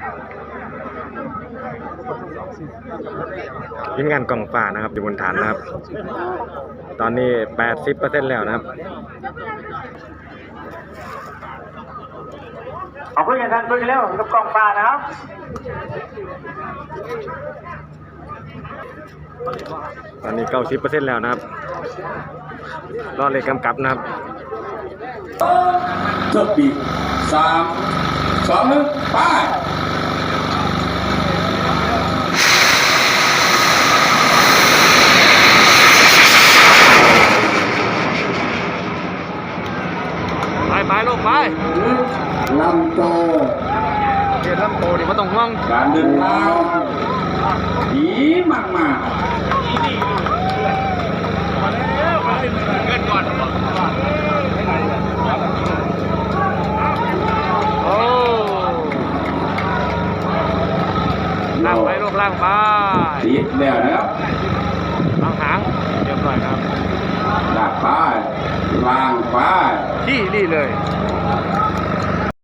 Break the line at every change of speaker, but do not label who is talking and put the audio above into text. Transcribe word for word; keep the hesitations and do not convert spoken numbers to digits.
ทีมงานกล่องฟ้านะครับอยู่บนฐานนะครับตอนนี้ แปดสิบเปอร์เซ็นต์ แล้วนะครับ
เอาคุยกันทันคุยกันแล้วกับกล่องฟ้านะครับ
ตอนนี้ เก้าสิบเปอร์เซ็นต์ แล้วนะครับรอเลขกำกับนะครับ
จบปีสามสองหนึ่งไป
ไปไปลูกไป
ลำโต
เรียนลำโตดิไม่ต้องห่วง
การเดินทางดีมากมาก
เงินก่อนโอ้ล่างไปลูกล่างไป
ติดแล้วนะครับ
ล่างหางเรียบร้อยครับ
ลากไปล่างไป
ที่นี่เลย